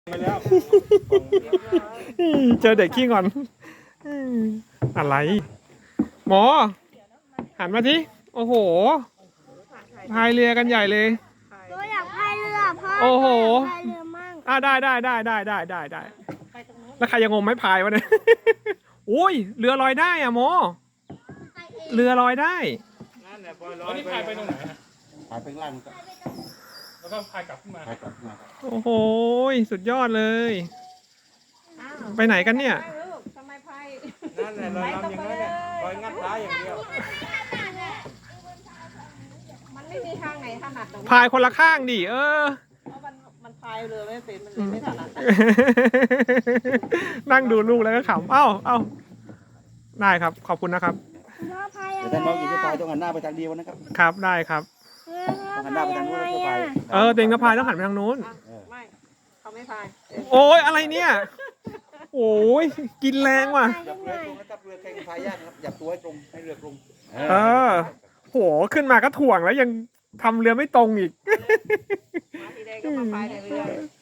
ไปแล้วเจอเด็กขี้งอนอะไร หมอ หันมาทีโอ้โหพายเรือกันใหญ่เลยหนูอยากพายเรือพ่อโอ้โหพายเรือมั่งได้แล้วใครยังงมไม่พายวะเนี่ย อุ้ยเรือลอยได้อะโมเรือลอยได้นั่นแหละปล่อยลอยนี่พายไปตรงไหนฮะหายไปข้างล่างก็แล้วก็พายกลับขึ้นมาหายกลับมาครับโอ้โหสุดยอดเลย ไปไหนกันเนี่ยทำไมพายนั่นแหละลอยลำอย่างนั้นแหละลอยงัดท้ายอย่างเดียวมันไม่มีทางไหนถนัดหรอกพายคนละข้างดิเพราะมันพายเรือไม่เป็นมันเลยไม่ถนัดนั่งดูลูกแล้วก็ขำเอ้าได้ครับ ขอบคุณนะครับพ่อพายแต่อะไรถ้าน้องอีกจะพายอ่ะต้องหันหน้าไปทางเดียวนะครับครับได้ครับต้องหันหน้าไปทางนู้นแล้วก็พายเต็งกระพายต้องหันไปทางนู้นไม่เขาไม่พายโอ้ยอะไรเนี่ย โอ้ยกินแรงว่ะจับเรือตรงนะครับเรือแข่งพายยากนะครับจับตัวให้ตรงให้เรือตรงโหขึ้นมาก็ถ่วงแล้วยังทำเรือไม่ตรงอีกมาทีใดก็มาพายในเรือ